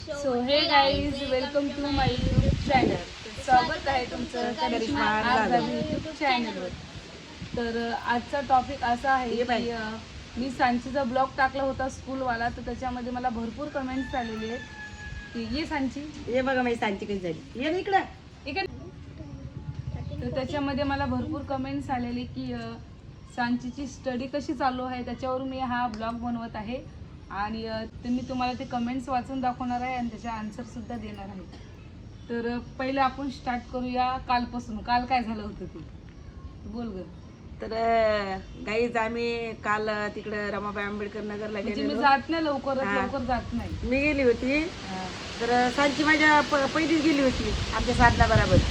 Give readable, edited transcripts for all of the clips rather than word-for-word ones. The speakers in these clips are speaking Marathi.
So hey guys welcome to my YouTube channel. स्वागत आहे तुमचं करिश्मा यूट्यूब चॅनलवर. तर आजचा टॉपिक असा आहे की मी सांचीचा ब्लॉग टाकला होता स्कूलवाला, तर त्याच्यामध्ये मला भरपूर कमेंट्स आलेले आहेत की ये सांची, हे बघा माझी सांची कशी झाली, ये इकडं इकडे. तर त्याच्यामध्ये मला भरपूर कमेंट्स आलेले की सांचीची स्टडी कशी चालू आहे, त्याच्यावर मी हा ब्लॉग बनवत आहे. आणि ते मी तुम्हाला ते कमेंट्स वाचून दाखवणार आहे आणि त्याचे आन्सर सुद्धा देणार आहे. तर पहिले आपण स्टार्ट करूया कालपासून. काल काय झालं होतं ते बोल ग. तर गाईज आम्ही काल तिकडं रमाबाई आंबेडकर नगरला म्हणजे मी गेलो. जात नाही लवकर जात नाही. मी गेली होती. तर सांची माझ्या पहिलीच गेली होती आमच्या साधना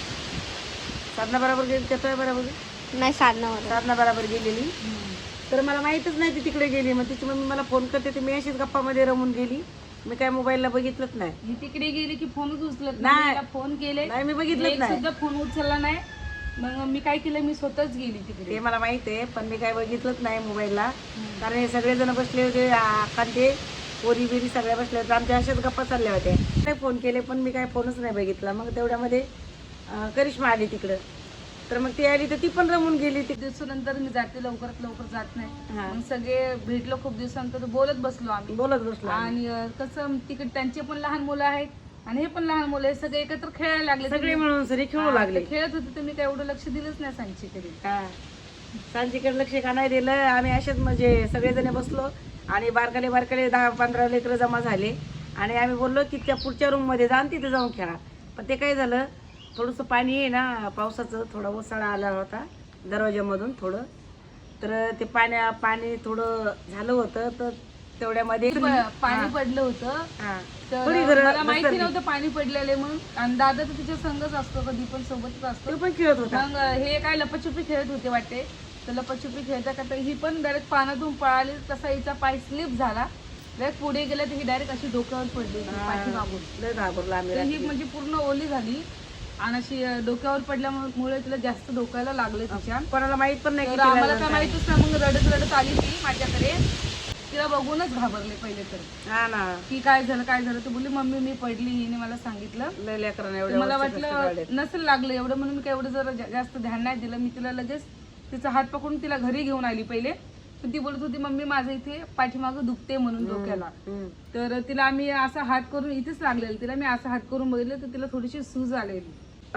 बरोबर गेली. त्याच्या बरोबर नाही साधना बरोबर गेलेली. तर मला माहीतच नाही ती तिकडे गेली. मग तिची मम्मी मला फोन करते, तर मी अशीच गप्पामध्ये रमून गेली. मी काय मोबाईलला बघितलंच नाही. ही तिकडे गेली की फोनच उचलत नाही. नाही. फोन केले नाही मी बघितलंच नाही. सुद्धा फोन उचलला नाही. मग मी काय केलं, मी स्वतःच गेली तिकडे. ते मला माहित आहे, पण मी काय बघितलंच नाही मोबाईलला. कारण हे सगळेजण बसले होते, कांते पोरी बिरी सगळ्या बसल्या होत्या. आमच्या अशाच गप्पा चालल्या होत्या. काय फोन केले, पण मी काय फोनच नाही बघितला. मग तेवढ्यामध्ये करिश्मा आली तिकडं. तर मग ती आली तर ती पण रमून गेली. दिवसानंतर मी जाते, लवकर जात नाही. हा. मग सगळे भेटलो, खूप दिवसानंतर बोलत बसलो आम्ही. बोलत बसलो आणि कसं तिकडे त्यांचे पण लहान मुलं आहेत आणि हे पण लहान मुलं आहेत. सगळे एकत्र खेळायला लागले. सगळे मिळून सरी खेळू लागले. खेळत होते, तर मी काय एवढं लक्ष दिलंच नाही सांचीकडे. सांचीकडे लक्ष का नाही दिलं. आम्ही असेच म्हणजे सगळेजण बसलो आणि बारकाले 10-15 लेकरं जमा झाले. आणि आम्ही बोललो की त्या पुढच्या रूम मध्ये जा आणि तिथे जाऊन खेळा. पण ते काय झालं, थोडंसं पाणी आहे ना पावसाचं, थोडा ओसाळा आला होता दरवाज्यामधून थोडं. तर ते पाणी थोडं झालं होतं. तर तेवढ्यामध्ये पाणी पडलं होतं. तर थोडी घरं मला माहिती घसरली. नव्हतं पाणी पडलेले म्हणून. आणि दादा तर तिच्या संगच असतो, कधी पण सोबतच असतो. तो पण खेळत होता. मग हे काय लपाछुपी खेळत होते वाटते. तर लपाछुपी खेळता करता ही पण डायरेक्ट पाण्यातून पळाली. तसा हिचा पाय स्लिप झाला. डायरेक्ट पुढे गेला तर ही डायरेक्ट अशी डोक्यावर पडली पाठीमागून. लय घाबरलो आम्ही तर ही रात्री. म्हणजे पूर्ण ओली झाली आणि अशी डोक्यावर पडल्यामुळे तिला जास्त डोक्याला लागले तिच्या. कोणाला माहित पण नाही तर किती आम्हाला लागलं काय काय. माहितच नाही. मग रडत आली ती माझ्याकडे. तिला बघूनच घाबरले पहिले तर हा ना, की काय झालं. तर बोलली मम्मी मी पडली, हिने मला सांगितलं. लय लेकरांना तर एवढ्या मला वर्षी कष्ट काढले. वाटलं नसेल लागलं एवढं, म्हणून मी काय एवढं जरा जास्त ध्यान नाही दिलं. मी तिला लगेच तिचा हात पकडून तिला घरी घेऊन आली पहिले. पण ती बोलत होती मम्मी माझं इथे पाठीमागं दुखते म्हणून डोक्याला. तर तिला आम्ही असा हात करून इथेच लागलेलं. तिला मी असा हात करून बघितलं तर तिला थोडीशी सूज आलेली.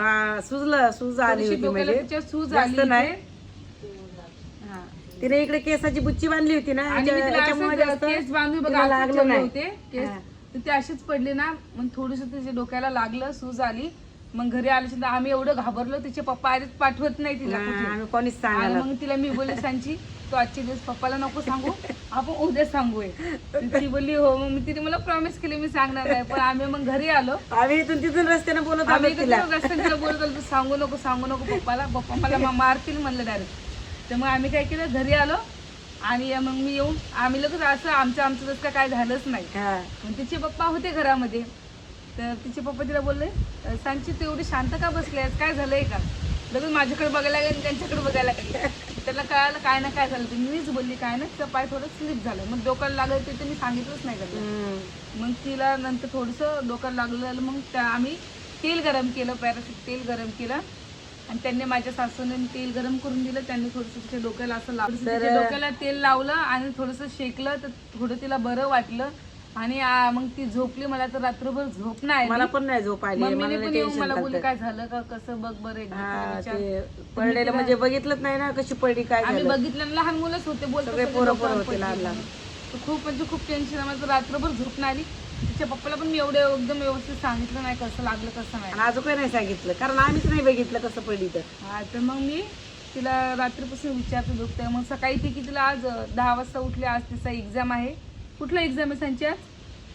सूज आली होती डोक्याला म्हणजे तिच्या सूज जास्त आली नाही. इथे. हा. तिने इकडे केसाची बुच्ची बांधली होती ना, आणि मी तिला याच्यामुळे असंच जास्त केस बांधून तिला बघा लागलं असं ठेवले नाही. होते केस. हा. तर ते अशीच पडली ना. मग थोडस तिच्या डोक्याला लागलं, सूज आली. मग घरी आल्याच्या आम्ही एवढं घाबरलो. तिचे पप्पा आधीच पाठवत नाही तिला कुठे. आम्ही कोणीच आणि सांगायला. मग तिला मी बोलले सांची तू आजचे दिवस पप्पाला नको सांगू, आपण उद्या सांगूय. ती बोलली हो. मग तिने मला प्रॉमिस केली मी सांगणार नाही. पण आम्ही मग घरी आलो. आम्ही इथून तिथून रस्त्याने बोलत आलो आम्ही तिला. रस्त्याने तिला बोलत आलो, तू सांगू नको पप्पाला. पप्पा मला मारतील म्हणलं डायरेक्ट. तर मग आम्ही काय केलं, घरी आलो. आणि मग मी येऊन आम्ही लगेच असं आमचं जसं काय झालंच नाही. हा. मग तिचे पप्पा होते घरामध्ये. तर तिचे पप्पा तिला बोलले सांची तू एवढी शांत का बसली आहेस, काय झालंय का. लगेच माझ्याकडे बघायला लागेल, त्यांच्याकडे बघायला लागेल. त्याला कळालं काय ना काय झालं. मीच बोलली काय ना, तिचा पाय थोडं स्लिप झालं. मग डोक्याला लागलं ते मी सांगितलंच नाही का. मग तिला नंतर थोडंसं डोक्याला लागलं. मग आम्ही तेल गरम केलं, पॅराशूट तेल गरम केलं. आणि त्यांनी माझ्या सासूने तेल गरम करून दिलं. त्यांनी थोडंसं तिच्या डोक्याला असं लावलं. तिच्या डोक्याला तेल लावलं आणि थोडंसं शेकलं तर थोडं तिला बरं वाटलं. आणि मग ती झोपली. मला तर रात्रभर झोप नाही मला पण नाही झोप आली. मम्मीने मला पण लय येऊन मला टेन्शन बोलली झालं. काय झालं का, कसं बघ बरं एकदा हा, विचार. ते पडलेलं म्हणजे बघितलंच नाही ना कशी पडली काय आम्ही झालं. बघितलं लहान मुलंच होते बोलतो सगळे पोरं होते लहान लहान. खूप म्हणजे खूप टेन्शन आहे. मला तर रात्रभर झोप नाही आली. तिच्या पप्पाला पण मी एवढं एकदम व्यवस्थित सांगितलं नाही कसं लागलं कसं नाही. आणि अजून काही नाही सांगितलं, कारण आम्हीच नाही बघितलं कसं पडली तर. हा. तर मग मी तिला रात्रीपासून विचारते दुखतंय. मग सकाळी ती की तिला आज 10 वाजता उठली. आज तिचा एक्झाम आहे. कुठला एक्झाम आहे सांची आज.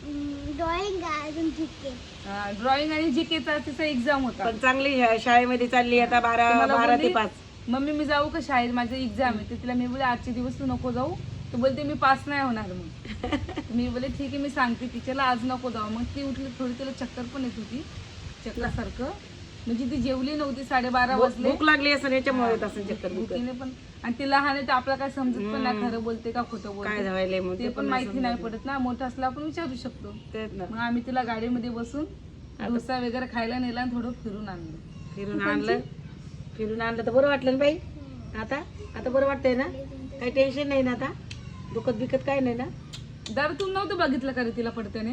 ड्रॉइंग आणि जीकेचा तिचा एक्झाम होता. पण चांगली शाळेमध्ये चालली आता मला 12 ते बोलली, 5. मम्मी मी जाऊ का शाळेत, माझं एक्झाम आहे. तर तिला मी बोलले आजचे दिवस तू नको जाऊ. तर बोलते मी पास नाही होणार. मग मी बोलले ठीक आहे मी सांगते टीचरला आज नको जाऊ. मग ती उठली, थोडी तिला चक्कर पण येत होती चक्करसारखं. म्हणजे ती जेवली नव्हती, 12:30 वाजले. भूक लागली असं याच्यामुळे येत असं चक्कर बिक्कर. भुकीने पण, आणि ती लहान आहे तर आपल्याला काय समजत पण नाही खरं बोलते का खोटं काय बोलते झालंय मग ते पण माहिती नाही पडत ना. मोठं असलं आपण विचारू शकतो. तेच ना. मग आम्ही तिला गाडीमध्ये बसून डोसा वगैरे खायला नेला आणि थोडं फिरून आणलं. फिरून आणलं तर बरं वाटलं ना बाई. आता बरं वाटतंय ना, काही टेन्शन नाही ना आता, दुखत बिकत काय नाही ना. दादा तू नव्हतं बघितलं का रे तिला पडत्याने?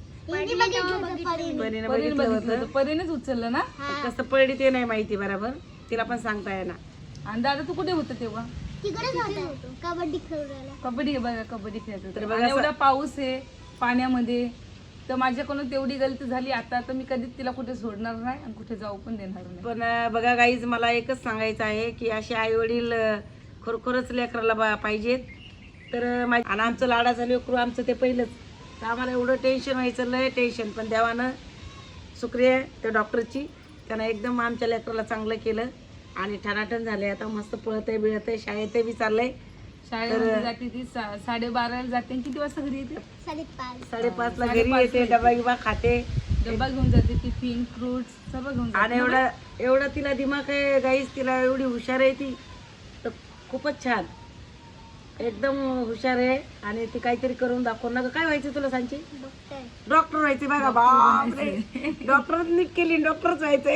परीने बघितलं होतं, परीनेच उचललं ना. कसं पडली ते नाही माहिती बरोबर, तिला पण सांगता येणार. आणि दादा तू कुठे होतं तेव्हा? कबड्डी खेळायला. कबड्डी बघा, कबड्डी खेळत होतो. तर बघा आणि एवढा पाऊस आहे पाण्यामध्ये, तर माझ्याकडून तेवढी गलती झाली. आता मी कधीच तिला कुठे सोडणार नाही आणि कुठे जाऊ पण देणार नाही. पण बघा गाईज, मला एकच सांगायचं आहे की असे आई वडील खरोखरच लेकराला पाहिजेत. तर आणि आमचं लाडाचं लेकरू आमचं ते पहिलंच, तर आम्हाला एवढं टेन्शन व्हायचं, लय टेन्शन. पण देवानं शुक्रिया त्या डॉक्टरची, त्यानं एकदम आमच्या लेकराला चांगलं केलं आणि ठणाठण झाले. आता मस्त पळतंय बिळतंय, शाळेत बी चाललंय. शाळेमध्ये जाते ती 12:30 जाते. किती वाजता घरी येते? 5:30ला घरी येते, डबा गिबा खाते, डब्बा घेऊन जाते, टिफिन, फ्रुट्स सर्व घेऊन जाते. आणि एवढा तिला दिमाग आहे गाईस, तिला एवढी हुशार आहे ती, तर खूपच छान, एकदम हुशार आहे. आणि ती काहीतरी करून दाखवून ना. काय व्हायचं तुला सांगची? डॉक्टर व्हायचे. बघा बापरे, डॉक्टरच नीट केली, डॉक्टरच व्हायचंय.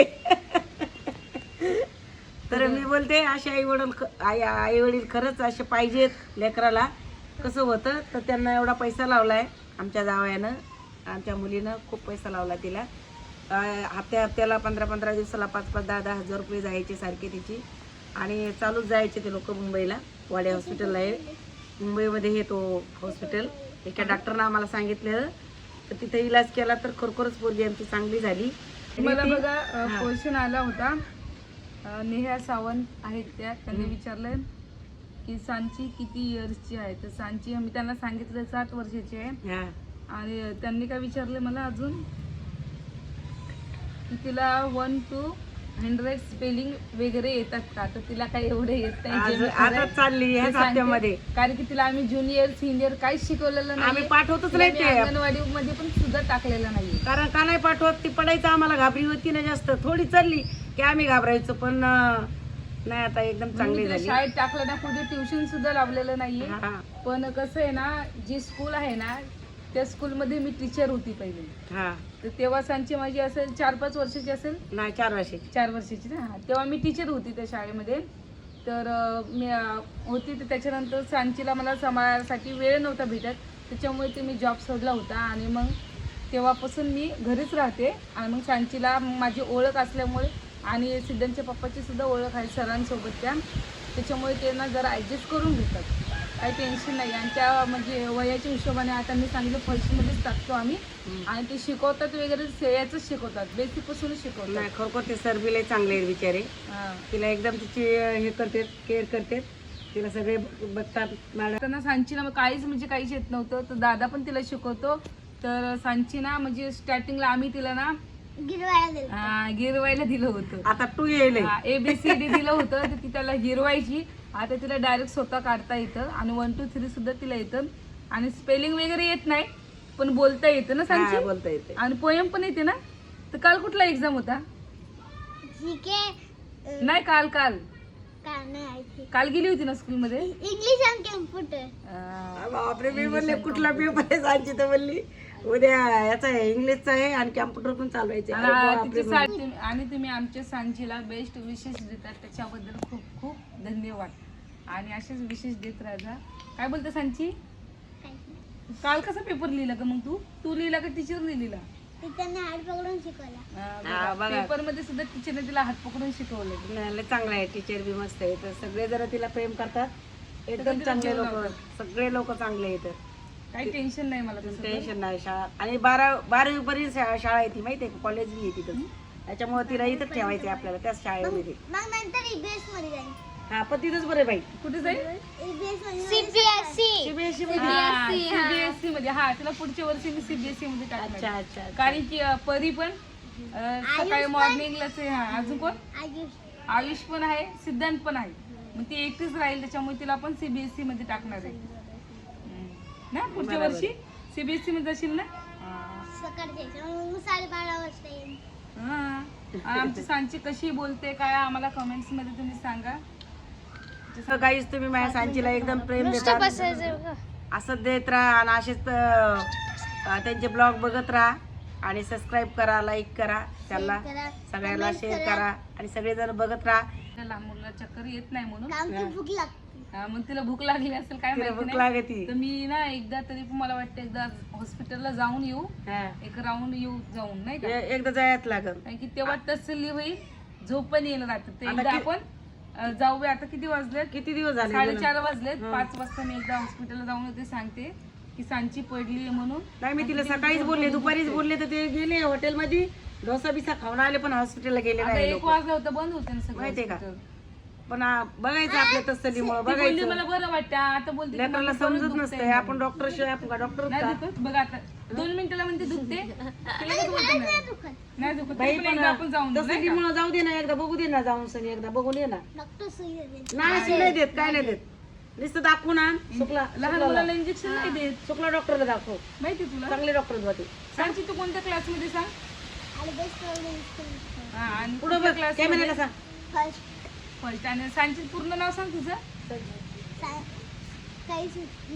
तर मी बोलते असे आई वडील खरंच असे पाहिजेत लेकराला. कसं होतं तर त्यांना एवढा पैसा लावलाय आमच्या जावयानं, आमच्या मुलीनं खूप पैसा लावला तिला. हप्त्याला 15 दिवसाला 5-5, 10-10 हजार रुपये जायचे सारखे तिची. आणि चालूच जायचे ते लोक मुंबईला, वाडे हॉस्पिटलला आहे मुंबईमध्ये हे तो हॉस्पिटल. एका डॉक्टरनं आम्हाला सांगितलेलं, तर तिथे इलाज केला तर खरोखरच पोरगी आमची चांगली झाली. मला बघा क्वेश्चन आला होता, नेहा सावंत आहेत त्यांनी विचारलंय की सांची किती इयर्सची आहे. तर सांची मी त्यांना सांगितलं 7 वर्षाची आहे. आणि त्यांनी काय विचारले मला अजून की तिला 1 to 100 स्पेलिंग वगैरे येतात का. तर तिला काही एवढे येत नाही, आता चालली ह्या हप्त्यामध्ये. कारण की तिला आम्ही ज्युनियर सिनियर काहीच शिकवलेलं नाही, आम्ही पाठवतच नाही ते. अंगणवाडी मध्ये पण सुद्धा टाकलेलं नाही. कारण का नाही पाठवत, ती पडायचं आम्हाला घाबरी होती ना जास्त, थोडी चालली की आम्ही घाबरायचो. पण नाही, आता एकदम चांगली झाली. शाळेत टाकलं ना, कुठे ट्युशन सुद्धा लावलेलं नाहीये. हा. पण कसं आहे ना, जी स्कूल आहे ना त्या स्कूलमध्ये मी टीचर होती पहिले. हा, तर तेव्हा सांची माझी असेल 4-5 वर्षाची असेल. नाही 4 वर्षाची. 4 वर्षाची ना. तेव्हा मी टीचर होती त्या शाळेमध्ये. तर मी होती. तर त्याच्यानंतर सांचीला मला सांभाळण्यासाठी वेळ नव्हता भेटत, त्याच्यामुळे ते मी जॉब सोडला होता. आणि मग तेव्हापासून मी घरीच राहते. आणि मग सांचीला माझी ओळख असल्यामुळे आणि सिद्धांतच्या पप्पाची सुद्धा ओळख आहे सरांसोबत त्याच्यामुळे ते ना जरा ॲडजस्ट करून घेतात, काही टेन्शन नाही. आणि त्या म्हणजे वयाच्या हिशोबाने आता मी सांगितलं फर्स्टमध्येच टाकतो आम्ही. आणि ते शिकवतात वगैरे याचंच शिकवतात, बेसिकपासूनच शिकवतात. नाही खरोखर ते सर बी लय चांगले आहेत बिचारे. तिला एकदम तिची हे करतात, केअर करतात, तिला सगळे बघतात. मॅडम त्यांना सांची ना काहीच म्हणजे काहीच येत नव्हतं, तर दादा पण तिला शिकवतो. तर सांची ना म्हणजे स्टार्टिंगला आम्ही तिला ना गिरवायला दिलं होतं. आता 2 येईल. ABCD दिलं होतं, तर ती त्याला गिरवायची. आता तिला डायरेक्ट स्वतः काढता येतं आणि 1 to 3 सुद्धा तिला येतं. आणि स्पेलिंग वगैरे येत नाही, पण बोलता येतं ना सांची. बोलता येते. आणि पोएम पण येते ना. तर काल कुठला एक्झाम होता? नाही, काल गेली होती ना स्कूलमध्ये. इंग्लिश आणि कम्प्युटर. बापरे, मी म्हणले कुठला पेपर आहे सांची, तर म्हणली उद्या याचा आहे, इंग्लिशचा आहे आणि कॅम्प्युटर पण चालवायचे. आणि तुम्ही आमच्या सांचीला बेस्ट विशेष देतात, त्याच्याबद्दल खूप खूप धन्यवाद. आणि असेच विशेष देत राहा. काय बोलते सांची? काल कसा पेपर लिहिला का मग तू लिहिला का टीचरने लिहिला? हात पकडून शिकवला. पेपर मध्ये सुद्धा टीचरने तिला हात पकडून शिकवलं. चांगलं आहे, टीचर बी मस्त आहे. तर सगळे जरा तिला प्रेम करतात, एकदम चांगले लोक, सगळे लोक चांगले आहेत. काही टेन्शन नाही मला, टेन्शन नाही. शाळा आणि 12वी पर्यंत शाळा आहे ती, माहिती आहे का, कॉलेज बी आहे तिथं. त्याच्यामुळे तिला इथंच ठेवायचं आहे आपल्याला, त्याच शाळेमध्ये. मग नंतर EBS मध्ये जाईल. हा, पण तिथंच बरं आहे बाई. कुठे जाईल? CBSE मध्ये. CBSE मध्ये. हा, तिला पुढच्या वर्षी मी CBSE मध्ये टाकणार. अच्छा. कारण की परी पण सकाळी मॉर्निंगलाच आहे. अजून कोण? आयुष पण आहे, सिद्धांत पण आहे. मग ती एकटीच राहील, त्याच्यामुळे तिला पण CBSE मध्ये टाकणार आहे ना. पुढच्या वर्षी CBSE मध्ये जाशील ना. सकाळी 12:30 वाजता येईल. आमची सांची कशी बोलते काय आम्हाला कमेंट्स मध्ये तुम्ही सांगा. काहीच तुम्ही माझ्या सांचीला एकदम प्रेम देता, असंच देत राहा आणि असेच त्यांचे ब्लॉग बघत राहा आणि सबस्क्राईब करा, लाईक करा, त्यांना करा, सगळ्यांना comment शेअर करा. करा आणि सगळेजण बघत राहा. त्या लहान मुलाला चक्कर येत नाही म्हणून आमची भूक लागते. मग तिला भूक लागली असेल काय तिला माहिती भूक नाही. लागती. तर मी ना एकदा तरी पण मला वाटतं एकदा हॉस्पिटलला जाऊन येऊ, हा. एक राऊंड येऊ जाऊन नाही का, एकदा जायच लागल. कारण की तेव्हा तसली होईल, झोप पण येईल रात्री. ते आता एकदा कि- आपण जाऊया. आता किती वाजलेत? किती दिवस झाले 4:30 वाजलेत. हं. 5 वाजता मी एकदा हॉस्पिटलला जाऊन येते, सांगते की सांची पडली म्हणून. नाही मी तिला सकाळीच बोलले, दुपारीच बोलले, तर ते गेले हॉटेलमध्ये डोसा बिसा खाऊन आले, पण हॉस्पिटलला गेले आता नाही 1 लोक. वाजला होता, बंद होते ना सगळं माहितीये का? hospital. पण बघायचं आपल्या तसलीमुळे ती बोलली बघायचं. मला बरं वाटतं. आता बोलते की लेकराला मला बरं समजत दुखतंय नसतंय, म्हणून. आपण डॉक्टर शिवाय आपण का डॉक्टर नाही का? दुखत बघा आता 2 मिनिटाला म्हणते दुखते ते लगेच बोलते नाही. दुखत. नाही दुखत बाई तरी पण एकदा आपण जाऊन येऊ, नाही का? तसलीमुळे जाऊ दे ना, एकदा बघू दे ना, जाऊन सनी एकदा बघून ये ना. डॉक्टर सुई देते. नाही सुई नाही देत, काय नाही देत, नुसतं दाखवून आण. शुक्ला लहान मुलाला इंजेक्शन नाही देत, शुक्ला डॉक्टरला दाखव, माहिती तुला. चांगले डॉक्टर होते. सांगची तू कोणत्या क्लास मध्ये सांग. आणि बेस्ट प्रॉब्लेम हा, आणि पुढं कुठल्या बघ, class कॅमेऱ्याला मध्ये? सांग. First first. आणि सांची पूर्ण नाव सांग तुझं. काहीच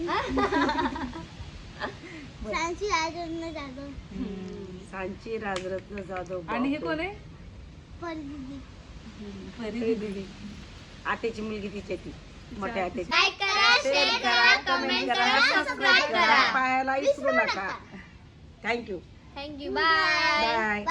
सांची राजरत्न जाधव. सांची राजरत्न जाधव. आणि हे कोण आहे? परदीदी. परी. दीदी, आटेची मुलगी तिच्या ती मोठ्या आटेची. लाईक करा, शेअर करा, कमेंट करा, सबस्क्राईब करा. पायाला विसरू नका. थँक्यू. थँक्यू. बाय. बाय.